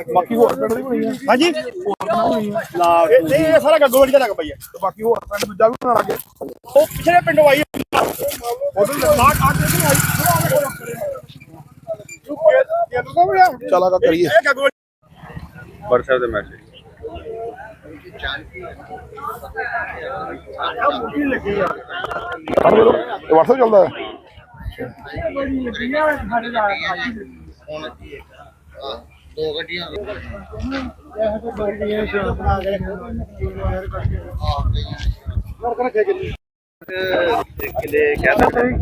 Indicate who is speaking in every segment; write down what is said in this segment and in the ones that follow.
Speaker 1: ਬਾਕੀ ਹੋਰ ਪਿੰਡ ਦੀ ਬਣੀ ਆ ਹਾਂਜੀ ਨਹੀਂ ਇਹ ਸਾਰਾ ਗੱਗੋਵਾਲੀ ਦਾ ਲੱਗ ਪਈ ਆ ਤੇ ਬਾਕੀ ਹੋਰ ਪਿੰਡ ਦੂਜਾ ਵੀ ਬਣਾ ਲਾਂਗੇ ਉਹ ਪਿਛਲੇ ਪਿੰਡੋਂ ਆਈ ਉਧਰ ਲਾਟ ਆ ਕੇ ਆਈ ਚਲਾ ਕਾ ਕਰੀਏ ਇਹ ਗੱਗੋਵਾਲੀ
Speaker 2: WhatsApp ਦੇ ਮੈਸੇਜ
Speaker 1: WhatsApp ਚੱਲਦਾ ਹੈ
Speaker 3: दो गड्डियां किले क्या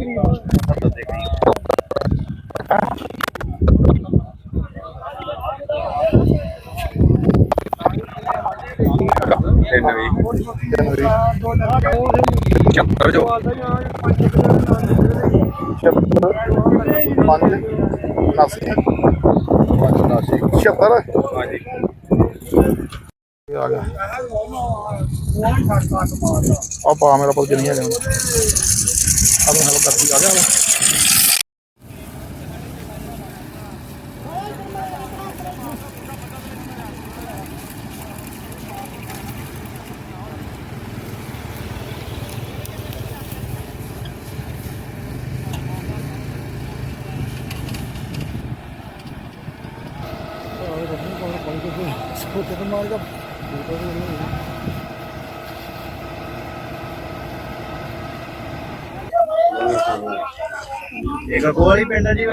Speaker 1: आ गया अब मेरा पल नहीं है अब हेल्प करती आ गया
Speaker 3: एक गोली पिंड है जी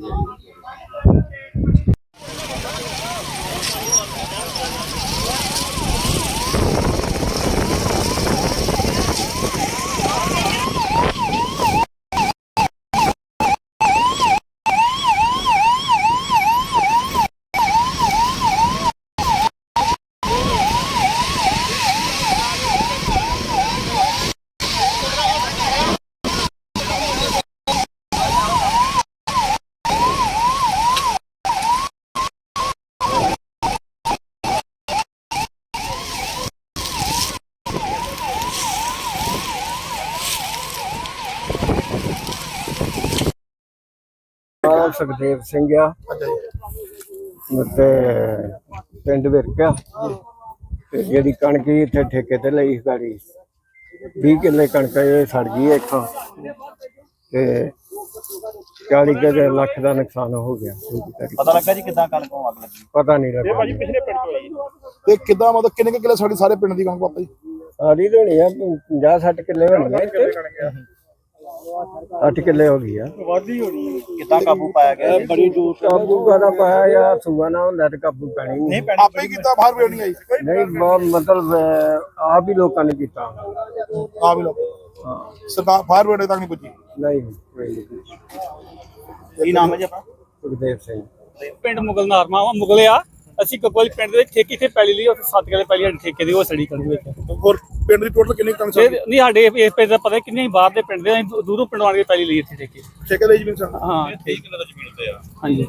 Speaker 4: सुखदेव सिंह पिंड विरका जी कणक इतने ठेके ते लई गाड़ी 20 किले कणक सड़ गई इतों 40 लाख का नुकसान हो गया।
Speaker 3: पता लगा जी कितना कणक अग लगी
Speaker 4: पता नहीं लगा
Speaker 1: ते किदा मतलब किन्ने किले साडी सारे पिंड दी कणक पापा जी
Speaker 4: सारी तो होनी है 50-60 किले होनी है 8 किले हो गई है
Speaker 3: कितना काबू पाया गया
Speaker 4: बड़ी दूर काबू का पाया या सुबह ना होंदा ते काबू पैनी नहीं
Speaker 1: आपे ही कीता बाहर भी नहीं आई
Speaker 4: नहीं मतलब आप ही लोगों ने कीता
Speaker 1: आ भी लोग हां सरकार बाहर बेड़े तक नहीं पुजी
Speaker 4: नहीं
Speaker 3: की नाम है जी अपना
Speaker 4: सुखदेव सिंह
Speaker 5: पिंड मुगल नारमा मुगले आ ਅਸੀਂ ਕਕੋਲ ਪਿੰਡ ਦੇ ਠੇਕੇ ਤੇ ਪੈਲੀ ਲਈ ਉੱਥੇ 7 ਕਿਲੇ ਪੈਲੀ ਠੇਕੇ ਦੀ ਉਹ ਸੜੀ ਕਰੂ ਵਿੱਚ
Speaker 1: ਹੋਰ ਪਿੰਡ ਦੀ ਟੋਟਲ ਕਿੰਨੀ ਕਣਕ
Speaker 5: ਨਹੀਂ ਸਾਡੇ ਇਸ ਪਿੰਡ ਦਾ ਪਤਾ ਕਿੰਨੇ ਬਾਹਰ ਦੇ ਪਿੰਡ ਦੇ ਦੂਰੋਂ ਪਿੰਡ ਆਣ ਕੇ ਪੈਲੀ ਲਈ ਇੱਥੇ ਠੇਕੇ
Speaker 1: ਠੇਕੇ ਲਈ ਜ਼ਮੀਨ ਸਨ
Speaker 5: ਹਾਂ
Speaker 3: 23 ਕਿਲੋ ਦਾ ਜ਼ਮੀਨ ਤੇ ਆ
Speaker 5: ਹਾਂਜੀ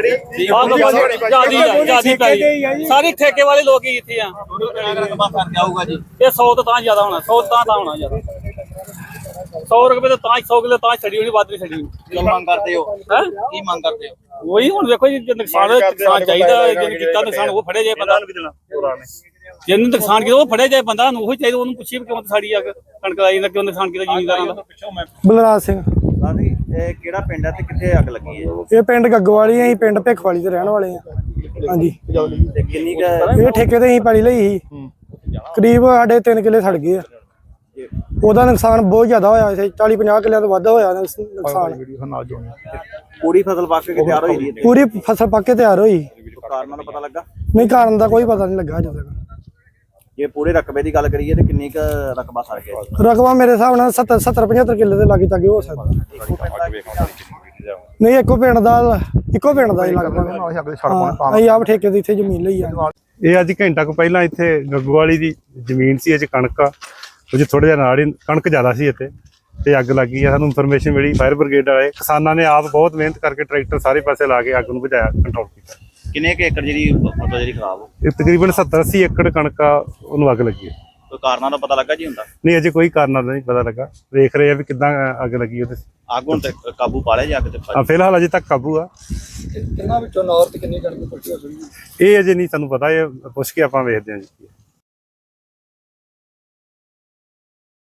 Speaker 1: ਕਿਹੜੀ
Speaker 5: ਜਿਆਦੀ ਪੈਲੀ ਸਾਰੇ ਠੇਕੇ ਵਾਲੇ ਲੋਕ ਹੀ ਇੱਥੇ ਆ
Speaker 3: ਰਕਬਾ ਫਰਕ ਆਊਗਾ ਜੀ
Speaker 5: ਇਹ 100 ਤੋਂ ਤਾਂ ਜ਼ਿਆਦਾ ਹੋਣਾ 100 ਤਾਂ ਹੋਣਾ ਜ਼ਿਆਦਾ 100 ਰੁਪਏ ਤਾਂ 100 ਕਿਲੋ ਤਾਂ ਛੜੀ ਹੋਣੀ ਵੱਧ ਨਹੀਂ ਛੜੀ
Speaker 3: ਕੀ ਮੰਗ ਕਰਦੇ ਹੋ
Speaker 5: ਹੈ
Speaker 3: ਕੀ ਮੰਗ ਕਰਦੇ ਹੋ
Speaker 5: ਉਹੀ ਹੁਣ ਦੇਖੋ ਜੀ ਨੁਕਸਾਨ ਚਾਹੀਦਾ ਜਿਹਨੇ ਕੀਤਾ ਨੁਕਸਾਨ ਉਹ ਫੜਿਆ ਜਾਏ ਬੰਦਾ ਜਿਹਨੇ ਨੁਕਸਾਨ ਕੀਤਾ ਉਹ ਫੜਿਆ ਜਾਏ ਬੰਦਾ ਨੂੰ ਉਹ ਚਾਹੀਦਾ ਉਹਨੂੰ ਪੁੱਛੀਏ ਕਿਉਂ ਸਾੜੀ ਆ ਕਣਕ ਲਾਈ ਨਾ ਕਿਉਂ ਨੁਕਸਾਨ ਕੀਤਾ ਜ਼ਿਮੀਂਦਾਰਾਂ ਦਾ
Speaker 6: ਬਲਰਾਜ ਸਿੰਘ
Speaker 3: ਲਾਡੀ ਇਹ ਕਿਹੜਾ ਪਿੰਡ ਹੈ ਤੇ ਕਿੱਥੇ ਅੱਗ ਲੱਗੀ ਹੈ
Speaker 6: ਇਹ ਪਿੰਡ ਗੱਗੋਵਾਲੀ ਅਸੀਂ ਪਿੰਡ ਭਿੱਖਵਾਲੀ ਦੇ ਰਹਿਣ ਵਾਲੇ ਆ ਹਾਂਜੀ
Speaker 3: ਤੇ ਕਿੰਨੀ
Speaker 6: ਇਹ ਠੇਕੇ ਤੇ ਅਸੀਂ ਪੈਲੀ ਲਈ ਸੀ ਕਰੀਬ ਸਾਡੇ 3 ਕਿੱਲੇ ਸੜ ਗਏ ਆ ਉਹਦਾ ਨੁਕਸਾਨ ਬਹੁਤ ਜ਼ਿਆਦਾ ਹੋਇਆ ਸੀ 40-50 ਕਿੱਲਿਆਂ ਤੋਂ ਵੱਧ ਹੋਇਆ ਨੁਕਸਾਨ
Speaker 3: ਪੂਰੀ ਫਸਲ ਪੱਕ ਕੇ ਤਿਆਰ ਹੋਈ ਦੀ
Speaker 6: ਪੂਰੀ ਫਸਲ ਪੱਕ ਕੇ ਤਿਆਰ ਹੋਈ
Speaker 3: ਕਾਰਨਾਂ ਦਾ ਪਤਾ ਲੱਗਾ
Speaker 6: ਨਹੀਂ ਕਾਰਨ ਦਾ ਕੋਈ ਪਤਾ ਨਹੀਂ ਲੱਗਾ ਅਜੇ ਤੱਕ
Speaker 3: ਜੇ ਪੂਰੇ ਰਕਬੇ ਦੀ ਗੱਲ ਕਰੀਏ ਤੇ ਕਿੰਨੀ ਕ ਰਕਬਾ ਸੜ ਗਿਆ
Speaker 6: ਰਕਬਾ ਮੇਰੇ ਹਿਸਾਬ ਨਾਲ 70-75 ਕਿੱਲੇ ਦੇ ਲਾਗੇ ਤੱਕ ਹੋ ਸਕਦਾ ਨਹੀਂ ਇੱਕੋ ਪਿੰਡ ਦਾ ਹੀ ਲੱਗਦਾ ਅਸੀਂ ਆਪ ਠੇਕੇ ਦੀ ਇੱਥੇ ਜ਼ਮੀਨ ਲਈ ਆ
Speaker 7: ਇਹ ਅੱਜ ਘੰਟਾ ਕੁ ਪਹਿਲਾਂ ਇੱਥੇ ਗੱਗੋਵਾਲੀ ਦੀ ਜ਼ਮੀਨ ਸੀ ਇਹ ਕਣਕ ਆ ਉਹ ਥੋੜਾ ਜਿਹਾ ਨਾਲ ਹੀ ਕਣਕ ਜ਼ਿਆਦਾ ਸੀ ਇੱਥੇ ਤੇ ਅੱਗ ਲੱਗੀ ਆ ਸਾਨੂੰ ਇਨਫੋਰਮੇਸ਼ਨ ਮਿਲੀ ਫਾਇਰ ਬ੍ਰਿਗੇਡ ਵਾਲੇ ਕਿਸਾਨਾਂ ਨੇ ਆਪ ਬਹੁਤ ਮਿਹਨਤ ਕਰਕੇ ਟਰੈਕਟਰ ਸਾਰੇ ਪਾਸੇ ਲਾ ਕੇ ਅੱਗ ਨੂੰ ਬੁਝਾਇਆ ਕੰਟਰੋਲ ਕੀਤਾ।
Speaker 3: ਕਿੰਨੇ ਕੁ ਏਕੜ ਜਿਹੜੀ ਫਸਲ ਜਿਹੜੀ ਖਰਾਬ ਹੋ
Speaker 7: ਇਹ ਤਕਰੀਬਨ 70-80 ਏਕੜ ਕਣਕ ਆ ਉਹਨੂੰ ਅੱਗ ਲੱਗੀ ਹੈ।
Speaker 3: ਕੋਈ ਕਾਰਨਾਂ ਦਾ ਪਤਾ ਲੱਗਾ ਜੀ ਹੁੰਦਾ?
Speaker 7: ਨਹੀਂ ਅਜੇ ਕੋਈ ਕਾਰਨ ਨਹੀਂ ਪਤਾ ਲੱਗਾ, ਵੇਖ ਰਹੇ ਆ ਵੀ ਕਿੱਦਾਂ ਅੱਗ ਲੱਗੀ ਉਹਦੇ।
Speaker 3: ਅੱਗ ਹੁਣ ਤੇ ਕਾਬੂ ਪਾ ਲਿਆ ਜੀ ਅੱਗ ਤੇ?
Speaker 7: ਫਿਲਹਾਲ ਅਜੇ ਤੱਕ ਕਾਬੂ ਆ।
Speaker 4: ਕਿੰਨਾ ਵਿੱਚੋਂ ਨੌਰ ਤੇ ਕਿੰਨੀ ਕਣਕ ਪੱਟੀ ਹੋ ਸਕਦੀ?
Speaker 7: ਇਹ ਅਜੇ ਨਹੀਂ ਸਾਨੂੰ ਪਤਾ, ਇਹ ਪੁੱਛ ਕੇ ਆਪਾਂ ਵੇਖਦੇ ਹਾਂ ਜੀ।